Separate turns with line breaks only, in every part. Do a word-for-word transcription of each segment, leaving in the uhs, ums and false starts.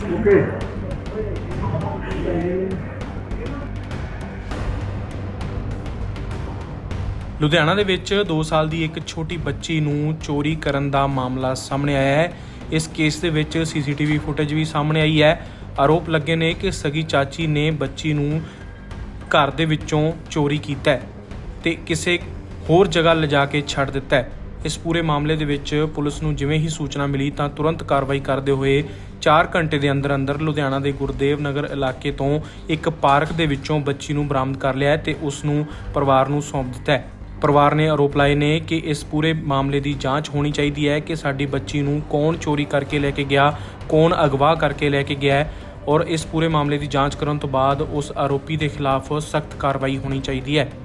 Okay.
Ludhiana ਦੇ ਵਿੱਚ ਦੋ ਸਾਲ ਦੀ ਇੱਕ ਛੋਟੀ ਬੱਚੀ ਨੂੰ ਚੋਰੀ ਕਰਨ ਦਾ ਮਾਮਲਾ ਸਾਹਮਣੇ ਆਇਆ ਹੈ। ਇਸ ਕੇਸ ਦੇ ਵਿੱਚ ਸੀਸੀਟੀਵੀ ਫੁਟੇਜ ਵੀ ਸਾਹਮਣੇ ਆਈ ਹੈ। ਆਰੋਪ ਲੱਗੇ ਨੇ ਕਿ ਸਗੀ ਚਾਚੀ ਨੇ ਬੱਚੀ ਨੂੰ ਘਰ ਦੇ ਵਿੱਚੋਂ ਚੋਰੀ ਕੀਤਾ ਹੈ ਤੇ ਕਿਸੇ ਹੋਰ ਜਗ੍ਹਾ ਲਿਜਾ ਕੇ ਛੱਡ ਦਿੱਤਾ ਹੈ। ਇਸ ਪੂਰੇ ਮਾਮਲੇ ਦੇ ਵਿੱਚ ਪੁਲਿਸ ਨੂੰ ਜਿਵੇਂ ਹੀ ਸੂਚਨਾ ਮਿਲੀ ਤਾਂ ਤੁਰੰਤ ਕਾਰਵਾਈ ਕਰਦੇ ਹੋਏ ਚਾਰ ਘੰਟੇ ਦੇ ਅੰਦਰ ਅੰਦਰ ਲੁਧਿਆਣਾ ਦੇ ਗੁਰਦੇਵ ਨਗਰ ਇਲਾਕੇ ਤੋਂ ਇੱਕ ਪਾਰਕ ਦੇ ਵਿੱਚੋਂ ਬੱਚੀ ਨੂੰ ਬਰਾਮਦ ਕਰ ਲਿਆ ਹੈ ਤੇ ਉਸ ਨੂੰ ਪਰਿਵਾਰ ਨੂੰ ਸੌਂਪ ਦਿੱਤਾ ਹੈ। ਪਰਿਵਾਰ ਨੇ ਆਰੋਪ ਲਾਏ ਨੇ ਕਿ ਇਸ ਪੂਰੇ ਮਾਮਲੇ ਦੀ ਜਾਂਚ ਹੋਣੀ ਚਾਹੀਦੀ ਹੈ ਕਿ ਸਾਡੀ ਬੱਚੀ ਨੂੰ ਕੌਣ ਚੋਰੀ ਕਰਕੇ ਲੈ ਕੇ ਗਿਆ, ਕੌਣ ਅਗਵਾ ਕਰਕੇ ਲੈ ਕੇ ਗਿਆ ਹੈ ਔਰ ਇਸ ਪੂਰੇ ਮਾਮਲੇ ਦੀ ਜਾਂਚ ਕਰਨ ਤੋਂ ਬਾਅਦ ਉਸ ਆਰੋਪੀ ਦੇ ਖਿਲਾਫ ਸਖਤ ਕਾਰਵਾਈ ਹੋਣੀ ਚਾਹੀਦੀ ਹੈ।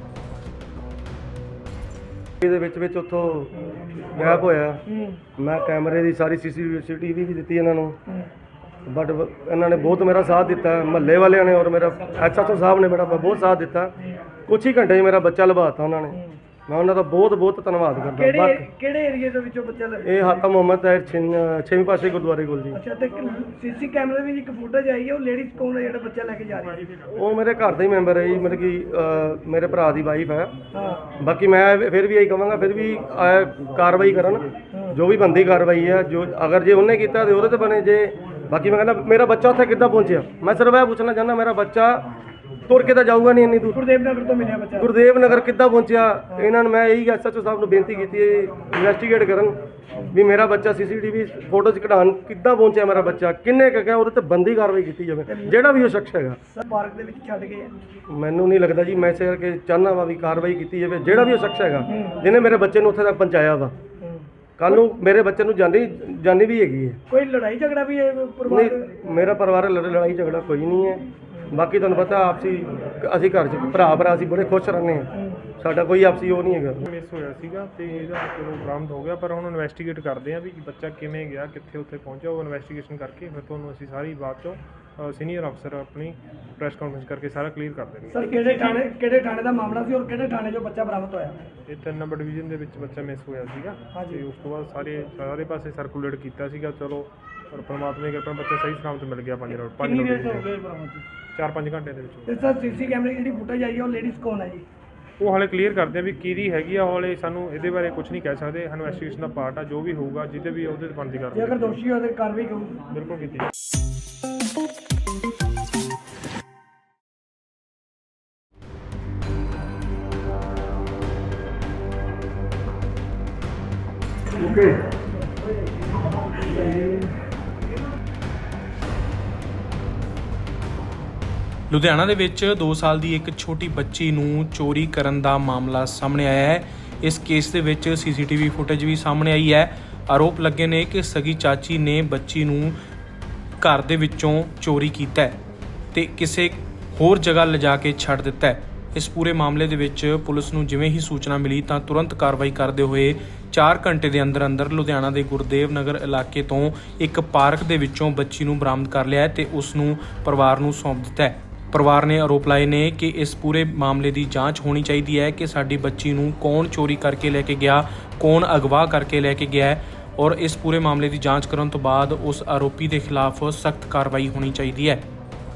ਇਹਦੇ ਵਿੱਚ ਵਿੱਚ ਉੱਥੋਂ ਗਾਇਬ ਹੋਇਆ। ਮੈਂ ਕੈਮਰੇ ਦੀ ਸਾਰੀ ਸੀਸੀਟੀਵੀ ਵੀ ਦਿੱਤੀ ਇਹਨਾਂ ਨੂੰ, ਬਟ ਇਹਨਾਂ ਨੇ ਬਹੁਤ ਮੇਰਾ ਸਾਥ ਦਿੱਤਾ। ਮਹੱਲੇ ਵਾਲਿਆਂ ਨੇ ਔਰ ਮੇਰਾ ਐਸਐਚਓ ਸਾਹਿਬ ਨੇ ਮੇਰਾ ਬਹੁਤ ਸਾਥ ਦਿੱਤਾ। ਕੁਛ ਹੀ ਘੰਟੇ 'ਚ ਮੇਰਾ ਬੱਚਾ ਲਭਾਤਾ ਉਹਨਾਂ ਨੇ। ਮੈਂ ਉਹਨਾਂ ਦਾ ਬਹੁਤ ਬਹੁਤ ਧੰਨਵਾਦ ਕਰਦਾ।
ਕਿਹੜੇ ਕਿਹੜੇ ਏਰੀਏ ਦੇ ਵਿੱਚੋਂ ਬੱਚਾ ਲੱਭਿਆ?
ਇਹ ਹਾਤਾ ਮੁਹੰਮਦ ਤਾਹਿਰ ਛੇਵੀਂ ਪਾਸੇ ਗੁਰਦੁਆਰੇ ਕੋਲ ਜੀ।
ਅੱਛਾ, ਤੇ ਸੀਸੀ ਕੈਮਰੇ ਵਿੱਚ ਇੱਕ ਫੁਟੇਜ ਆਈ ਹੈ, ਉਹ ਲੇਡੀਜ਼ ਕੌਣ ਹੈ ਜਿਹੜਾ ਬੱਚਾ ਲੈ ਕੇ ਜਾ ਰਹੀ ਹੈ?
ਉਹ ਮੇਰੇ ਘਰ ਦਾ ਹੀ ਮੈਂਬਰ ਹੈ ਜੀ, ਮਤਲਬ ਕਿ ਅਹ, ਮੇਰੇ ਭਰਾ ਦੀ ਵਾਈਫ ਹੈ।
ਹਾਂ,
ਬਾਕੀ ਮੈਂ ਫਿਰ ਵੀ ਇਹੀ ਕਹਾਂਗਾ, ਫਿਰ ਵੀ ਅਹ, ਕਾਰਵਾਈ ਕਰਨ, ਜੋ ਵੀ ਬੰਦੀ ਕਾਰਵਾਈ ਹੈ। ਜੋ ਅਗਰ ਜੇ ਉਹਨੇ ਕੀਤਾ ਤੇ ਉਹਦੇ ਤੇ ਬਣੇ। ਜੇ ਬਾਕੀ ਮੈਂ ਕਹਿੰਦਾ ਮੇਰਾ ਬੱਚਾ ਉੱਥੇ ਕਿੱਦਾਂ ਪਹੁੰਚਿਆ, ਮੈਂ ਸਿਰਫ ਇਹ ਪੁੱਛਣਾ ਚਾਹੁੰਦਾ, ਮੇਰਾ ਬੱਚਾ ਤੁਰ ਕੇ ਤਾਂ ਜਾਊਗਾ ਨਹੀਂ ਇੰਨੀ ਦੂਰ।
ਗੁਰਦੇਵ ਨਗਰ ਤੋਂ ਮਿਲਿਆ ਬੱਚਾ।
ਗੁਰਦੇਵ ਨਗਰ ਕਿੱਦਾਂ ਪਹੁੰਚਿਆ? ਇਹਨਾਂ ਨੂੰ ਮੈਂ ਇਹੀ ਐਸਐਚਓ ਸਾਹਿਬ ਨੂੰ ਬੇਨਤੀ ਕੀਤੀ ਹੈ, ਇਨਵੈਸਟੀਗੇਟ ਕਰਨ ਵੀ ਮੇਰਾ ਬੱਚਾ ਸੀਸੀਟੀਵੀ ਫੋਟੋ 'ਚ ਕਢਾਉਣ ਕਿੱਦਾਂ ਪਹੁੰਚਿਆ, ਮੇਰਾ ਬੱਚਾ ਕਿੰਨੇ ਕੁ ਗਿਆ, ਉਹਦੇ ਤੇ ਬੰਦੀ ਕਾਰਵਾਈ ਕੀਤੀ ਜਾਵੇ, ਜਿਹੜਾ ਵੀ ਉਹ ਸ਼ਖਸ ਹੈਗਾ।
ਸਰ ਪਾਰਕ ਦੇ ਵਿੱਚ ਛੱਡ ਗਏ ਆ?
ਮੈਨੂੰ ਨਹੀਂ ਲੱਗਦਾ ਜੀ, ਮੈਂ ਇਸੇ ਕਰਕੇ ਚਾਹੁੰਦਾ ਵਾ ਵੀ ਕਾਰਵਾਈ ਕੀਤੀ ਜਾਵੇ, ਜਿਹੜਾ ਵੀ ਉਹ ਸ਼ਖਸ ਹੈਗਾ ਜਿਹਨੇ ਮੇਰੇ ਬੱਚੇ ਨੂੰ ਉੱਥੇ ਤੱਕ ਪਹੁੰਚਾਇਆ ਵਾ। ਕੱਲ ਨੂੰ ਮੇਰੇ ਬੱਚੇ ਨੂੰ ਜਾਨੀ ਜਾਨੀ ਵੀ ਹੈਗੀ ਹੈ।
ਕੋਈ ਲੜਾਈ ਝਗੜਾ ਵੀ ਹੈ ਪਰਿਵਾਰ ਦੇ?
ਨਹੀਂ, ਮੇਰਾ ਪਰਿਵਾਰ ਲੜਾਈ ਝਗੜਾ ਕੋਈ ਨਹੀਂ ਹੈ। ਬਾਕੀ ਤੁਹਾਨੂੰ ਪਤਾ ਆਪਸੀ ਅਸੀਂ ਘਰ 'ਚ ਭਰਾ ਭਰਾ ਅਸੀਂ ਬੜੇ ਖੁਸ਼ ਰਹਿੰਦੇ ਹਾਂ, ਸਾਡਾ ਕੋਈ ਆਪਸੀ ਉਹ ਨਹੀਂ ਹੈਗਾ।
ਮਿਸ ਹੋਇਆ ਸੀਗਾ ਤੇ ਇਹਦਾ ਚਲੋ ਬਰਾਮਦ ਹੋ ਗਿਆ, ਪਰ ਹੁਣ ਇਨਵੈਸਟੀਗੇਟ ਕਰਦੇ ਆ ਵੀ ਬੱਚਾ ਕਿਵੇਂ ਗਿਆ, ਕਿੱਥੇ ਉੱਥੇ ਪਹੁੰਚਿਆ। ਉਹ ਇਨਵੈਸਟੀਗੇਸ਼ਨ ਕਰਕੇ ਫਿਰ ਤੁਹਾਨੂੰ ਅਸੀਂ ਸਾਰੀ ਬਾਤ ਚੋਂ ਸੀਨੀਅਰ ਅਫਸਰ ਆਪਣੀ ਪ੍ਰੈਸ ਕਾਨਫਰੰਸ ਕਰਕੇ ਸਾਰਾ ਕਲੀਅਰ ਕਰ ਦੇਣਗੇ।
ਸਰ ਕਿਹੜੇ ਥਾਣੇ ਕਿਹੜੇ ਥਾਣੇ ਦਾ ਮਾਮਲਾ ਸੀ ਔਰ ਕਿਹੜੇ ਥਾਣੇ 'ਚੋਂ ਬੱਚਾ ਬਰਾਮਦ ਹੋਇਆ?
ਇਹ ਤਿੰਨ ਨੰਬਰ ਡਿਵੀਜ਼ਨ ਦੇ ਵਿੱਚ ਬੱਚਾ ਮਿਸ ਹੋਇਆ ਸੀਗਾ ਤੇ ਉਸ ਤੋਂ ਬਾਅਦ ਸਾਰੇ ਸਾਰੇ ਪਾਸੇ ਸਰਕੂਲੇਟ ਕੀਤਾ ਸੀਗਾ। ਚਲੋ ਪਰ ਪਰਮਾਤਮਾ ਦੀ ਕਿਰਪਾ ਬੱਚਾ ਸਹੀ ਸਲਾਮਤ ਮਿਲ ਗਿਆ। ਪੰਜ ਰੋਡ ਪੰਜ ਰੋਡ ਚਾਰ ਪੰਜ ਘੰਟੇ ਦੇ ਵਿੱਚ।
ਤੇ ਸਰ ਸੀਸੀ ਕੈਮਰੇ ਦੀ ਜਿਹੜੀ ਫੁਟੇਜ ਆਈ ਹੈ, ਉਹ ਲੇਡੀਜ਼ ਕੌਣ ਹੈ ਜੀ?
ਉਹ ਹਾਲੇ ਕਲੀਅਰ ਕਰਦੇ ਆ ਵੀ ਕਿਹਦੀ ਹੈਗੀ ਆ। ਹਾਲੇ ਸਾਨੂੰ ਇਹਦੇ ਬਾਰੇ ਕੁਝ ਨਹੀਂ ਕਹਿ ਸਕਦੇ। ਇਨਵੈਸਟੀਗੇਸ਼ਨ ਦਾ ਪਾਰਟ ਆ, ਜੋ ਵੀ ਹੋਊਗਾ ਜਿਹਦੇ ਵੀ ਉਹਦੇ ਤੇ ਬਣਦੀ
ਜੇ
ਕਰਦੇ
ਅਗਰ ਦੋਸ਼ੀ ਹੋਵੇ ਤਾਂ ਕਾਰਵਾਈ ਕਰੂਗੀ।
ਬਿਲਕੁਲ ਕੀਤੀ।
ਓਕੇ।
ਲੁਧਿਆਣਾ ਦੇ ਵਿੱਚ ਦੋ ਸਾਲ ਦੀ ਇੱਕ ਛੋਟੀ ਬੱਚੀ ਨੂੰ ਚੋਰੀ ਕਰਨ ਦਾ ਮਾਮਲਾ ਸਾਹਮਣੇ ਆਇਆ ਹੈ। ਇਸ ਕੇਸ ਦੇ ਵਿੱਚ ਸੀਸੀਟੀਵੀ ਫੁਟੇਜ ਵੀ ਸਾਹਮਣੇ ਆਈ ਹੈ। ਆਰੋਪ ਲੱਗੇ ਨੇ ਕਿ ਸਗੀ ਚਾਚੀ ਨੇ ਬੱਚੀ ਨੂੰ ਘਰ ਦੇ ਵਿੱਚੋਂ ਚੋਰੀ ਕੀਤਾ ਹੈ ਤੇ ਕਿਸੇ ਹੋਰ ਜਗ੍ਹਾ ਲਿਜਾ ਕੇ ਛੱਡ ਦਿੱਤਾ ਹੈ। ਇਸ ਪੂਰੇ ਮਾਮਲੇ ਦੇ ਵਿੱਚ ਪੁਲਿਸ ਨੂੰ ਜਿਵੇਂ ਹੀ ਸੂਚਨਾ ਮਿਲੀ ਤਾਂ ਤੁਰੰਤ ਕਾਰਵਾਈ ਕਰਦੇ ਹੋਏ ਚਾਰ ਘੰਟੇ ਦੇ ਅੰਦਰ ਅੰਦਰ ਲੁਧਿਆਣਾ ਦੇ ਗੁਰਦੇਵ ਨਗਰ ਇਲਾਕੇ ਤੋਂ ਇੱਕ ਪਾਰਕ ਦੇ ਵਿੱਚੋਂ ਬੱਚੀ ਨੂੰ ਬਰਾਮਦ ਕਰ ਲਿਆ ਹੈ ਤੇ ਉਸ ਨੂੰ ਪਰਿਵਾਰ ਨੂੰ ਸੌਂਪ ਦਿੱਤਾ ਹੈ। ਪਰਿਵਾਰ ਨੇ ਆਰੋਪ ਲਾਏ ਨੇ ਕਿ ਇਸ ਪੂਰੇ ਮਾਮਲੇ ਦੀ ਜਾਂਚ ਹੋਣੀ ਚਾਹੀਦੀ ਹੈ ਕਿ ਸਾਡੀ ਬੱਚੀ ਨੂੰ ਕੌਣ ਚੋਰੀ ਕਰਕੇ ਲੈ ਕੇ ਗਿਆ, ਕੌਣ ਅਗਵਾ ਕਰਕੇ ਲੈ ਕੇ ਗਿਆ ਹੈ ਔਰ ਇਸ ਪੂਰੇ ਮਾਮਲੇ ਦੀ ਜਾਂਚ ਕਰਨ ਤੋਂ ਬਾਅਦ ਉਸ ਆਰੋਪੀ ਦੇ ਖਿਲਾਫ ਸਖਤ ਕਾਰਵਾਈ ਹੋਣੀ ਚਾਹੀਦੀ ਹੈ।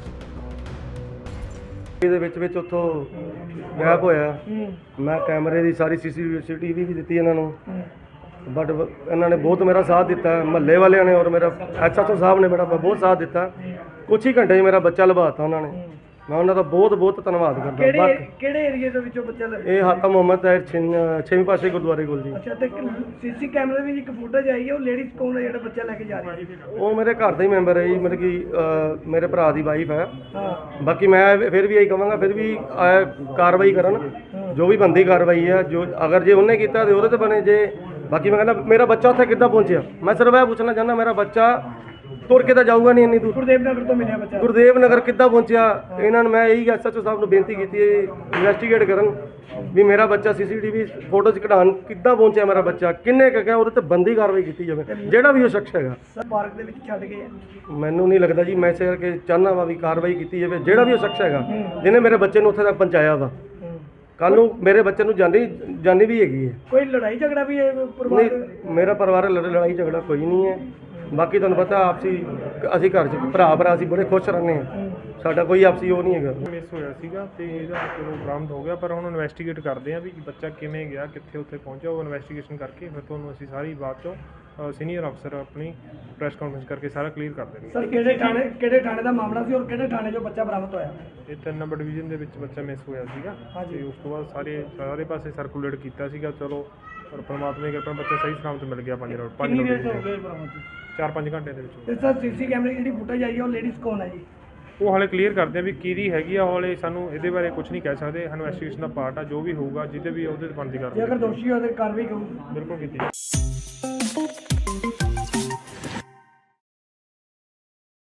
ਇਹਦੇ ਵਿੱਚ ਵਿੱਚ ਉੱਥੋਂ ਗਾਇਬ ਹੋਇਆ। ਮੈਂ ਕੈਮਰੇ ਦੀ ਸਾਰੀ ਸੀਸੀਟੀਵੀ ਵੀ ਦਿੱਤੀ ਇਹਨਾਂ ਨੂੰ, ਬਟ ਇਹਨਾਂ ਨੇ ਬਹੁਤ ਮੇਰਾ ਸਾਥ ਦਿੱਤਾ। ਮਹੱਲੇ ਵਾਲਿਆਂ ਨੇ ਔਰ ਮੇਰਾ ਐਸਐਚਓ ਸਾਹਿਬ ਨੇ ਮੇਰਾ ਬਹੁਤ ਸਾਥ ਦਿੱਤਾ। ਕੁਛ ਹੀ ਘੰਟੇ 'ਚ ਮੇਰਾ ਬੱਚਾ ਲਭਾਤਾ ਉਹਨਾਂ ਨੇ। ਮੈਂ ਉਹਨਾਂ ਦਾ ਬਹੁਤ ਬਹੁਤ ਧੰਨਵਾਦ ਕਰਦਾ।
ਕਿਹੜੇ ਕਿਹੜੇ ਏਰੀਏ ਦੇ ਵਿੱਚੋਂ ਬੱਚਾ ਲੱਭਿਆ?
ਇਹ ਹਾਤਾ ਮੁਹੰਮਦ ਤਾਹਿਰ ਛੇਵੀਂ ਪਾਸੇ ਗੁਰਦੁਆਰੇ ਕੋਲ ਜੀ।
ਅੱਛਾ, ਤੇ ਸੀਸੀ ਕੈਮਰੇ ਵਿੱਚ ਇੱਕ ਫੁਟੇਜ ਆਈ ਹੈ, ਉਹ ਲੇਡੀਜ਼ ਕੌਣ ਹੈ ਜਿਹੜਾ ਬੱਚਾ ਲੈ ਕੇ ਜਾ ਰਹੀ ਹੈ?
ਉਹ ਮੇਰੇ ਘਰ ਦਾ ਹੀ ਮੈਂਬਰ ਹੈ ਜੀ, ਮਤਲਬ ਕਿ ਅਹ, ਮੇਰੇ ਭਰਾ ਦੀ ਵਾਈਫ ਹੈ।
ਹਾਂ,
ਬਾਕੀ ਮੈਂ ਫਿਰ ਵੀ ਇਹੀ ਕਹਾਂਗਾ, ਫਿਰ ਵੀ ਅਹ, ਕਾਰਵਾਈ ਕਰਨ, ਜੋ ਵੀ ਬੰਦੀ ਕਾਰਵਾਈ ਹੈ। ਜੋ ਅਗਰ ਜੇ ਉਹਨੇ ਕੀਤਾ ਤੇ ਉਹਦੇ ਤੇ ਬਣੇ। ਜੇ ਬਾਕੀ ਮੈਂ ਕਹਿੰਦਾ ਮੇਰਾ ਬੱਚਾ ਉੱਥੇ ਕਿੱਦਾਂ ਪਹੁੰਚਿਆ, ਮੈਂ ਸਿਰਫ ਇਹ ਪੁੱਛਣਾ ਚਾਹੁੰਦਾ, ਮੇਰਾ ਬੱਚਾ ਤੁਰ ਕੇ ਤਾਂ ਜਾਊਗਾ ਨਹੀਂ ਇੰਨੀ ਦੂਰ।
ਗੁਰਦੇਵ ਨਗਰ ਤੋਂ ਮਿਲਿਆ ਬੱਚਾ।
ਗੁਰਦੇਵ ਨਗਰ ਕਿੱਦਾਂ ਪਹੁੰਚਿਆ? ਇਹਨਾਂ ਨੂੰ ਮੈਂ ਇਹੀ ਐਸਐਚਓ ਸਾਹਿਬ ਨੂੰ ਬੇਨਤੀ ਕੀਤੀ ਹੈ, ਇਨਵੈਸਟੀਗੇਟ ਕਰਨ ਵੀ ਮੇਰਾ ਬੱਚਾ ਸੀਸੀਟੀਵੀ ਫੋਟੋ 'ਚ ਕਢਾਉਣ ਕਿੱਦਾਂ ਪਹੁੰਚਿਆ, ਮੇਰਾ ਬੱਚਾ ਕਿੰਨੇ ਕੁ ਗਿਆ, ਉਹਦੇ ਤੇ ਬੰਦੀ ਕਾਰਵਾਈ ਕੀਤੀ ਜਾਵੇ, ਜਿਹੜਾ ਵੀ ਉਹ ਸ਼ਖਸ ਹੈਗਾ।
ਸਰ ਪਾਰਕ ਦੇ ਵਿੱਚ ਛੱਡ ਗਏ ਆ?
ਮੈਨੂੰ ਨਹੀਂ ਲੱਗਦਾ ਜੀ, ਮੈਂ ਇਸੇ ਕਰਕੇ ਚਾਹੁੰਦਾ ਵਾ ਵੀ ਕਾਰਵਾਈ ਕੀਤੀ ਜਾਵੇ, ਜਿਹੜਾ ਵੀ ਉਹ ਸ਼ਖਸ ਹੈਗਾ ਜਿਹਨੇ ਮੇਰੇ ਬੱਚੇ ਨੂੰ ਉੱਥੇ ਤੱਕ ਪਹੁੰਚਾਇਆ ਵਾ। ਕੱਲ ਨੂੰ ਮੇਰੇ ਬੱਚੇ ਨੂੰ ਜਾਨੀ ਜਾਨੀ ਵੀ ਹੈਗੀ ਹੈ।
ਕੋਈ ਲੜਾਈ ਝਗੜਾ ਵੀ ਹੈ ਪਰਿਵਾਰ ਦੇ?
ਨਹੀਂ, ਮੇਰਾ ਪਰਿਵਾਰ ਲੜਾਈ ਝਗੜਾ ਕੋਈ ਨਹੀਂ ਹੈ। ਬਾਕੀ ਤੁਹਾਨੂੰ ਪਤਾ ਆਪਸੀ ਅਸੀਂ ਘਰ 'ਚ ਭਰਾ ਭਰਾ ਅਸੀਂ ਬੜੇ ਖੁਸ਼ ਰਹਿੰਦੇ ਹਾਂ, ਸਾਡਾ ਕੋਈ ਆਪਸੀ ਉਹ ਨਹੀਂ ਹੈਗਾ।
ਮਿਸ ਹੋਇਆ ਸੀਗਾ ਤੇ ਇਹਦਾ ਚਲੋ ਬਰਾਮਦ ਹੋ ਗਿਆ, ਪਰ ਹੁਣ ਇਨਵੈਸਟੀਗੇਟ ਕਰਦੇ ਆ ਵੀ ਬੱਚਾ ਕਿਵੇਂ ਗਿਆ, ਕਿੱਥੇ ਉੱਥੇ ਪਹੁੰਚਿਆ। ਉਹ ਇਨਵੈਸਟੀਗੇਸ਼ਨ ਕਰਕੇ ਫਿਰ ਤੁਹਾਨੂੰ ਅਸੀਂ ਸਾਰੀ ਬਾਤ ਚੋਂ ਸੀਨੀਅਰ ਅਫਸਰ ਆਪਣੀ ਪ੍ਰੈਸ ਕਾਨਫਰੰਸ ਕਰਕੇ ਸਾਰਾ ਕਲੀਅਰ ਕਰ ਦੇਣਗੇ।
ਸਰ ਕਿਹੜੇ ਥਾਣੇ ਕਿਹੜੇ ਥਾਣੇ ਦਾ ਮਾਮਲਾ ਸੀ ਔਰ ਕਿਹੜੇ ਥਾਣੇ 'ਚੋਂ ਬੱਚਾ ਬਰਾਮਦ ਹੋਇਆ?
ਇਹ ਤਿੰਨ ਨੰਬਰ ਡਿਵੀਜ਼ਨ ਦੇ ਵਿੱਚ ਬੱਚਾ ਮਿਸ ਹੋਇਆ ਸੀਗਾ ਤੇ ਉਸ ਤੋਂ ਬਾਅਦ ਸਾਰੇ ਸਾਰੇ ਪਾਸੇ ਸਰਕੂਲੇਟ ਕੀਤਾ ਸੀਗਾ। ਚਲੋ ਪਰ ਪਰਮਾਤਮਾ ਦੀ ਕਿਰਪਾ ਨਾਲ ਬੱਚਾ ਸਹੀ ਸਲਾਮਤ ਮਿਲ ਗਿਆ। ਪੰਜ ਰੋਡ ਪੰਜ ਰੋਡ ਚਾਰ ਪੰਜ ਘੰਟੇ ਦੇ ਵਿੱਚ।
ਤੇ ਸਰ ਸੀਸੀ ਕੈਮਰੇ ਦੀ ਜਿਹੜੀ ਫੁਟੇਜ ਆਈ ਹੈ ਉਹ ਲੇਡੀਜ਼ ਕੌਣ ਹੈ ਜੀ?
ਉਹ ਹਾਲੇ ਕਲੀਅਰ ਕਰਦੇ ਆ ਵੀ ਕਿਹਦੀ ਹੈਗੀ ਆ। ਹਾਲੇ ਸਾਨੂੰ ਇਹਦੇ ਬਾਰੇ ਕੁਝ ਨਹੀਂ ਕਹਿ ਸਕਦੇ। ਇਨਵੈਸਟੀਗੇਸ਼ਨ ਦਾ ਪਾਰਟ ਆ, ਜੋ ਵੀ ਹੋਊਗਾ ਜਿਹਦੇ ਵੀ ਉਹਦੇ ਤੇ ਬਣਦੀ
ਜੇ
ਕਰਦੇ
ਅਗਰ ਦੋਸ਼ੀ ਹੋਵੇ ਤਾਂ ਕਾਰਵਾਈ ਕਰੂੰ।
ਬਿਲਕੁਲ ਕੀਤੀ ਜਾਊ।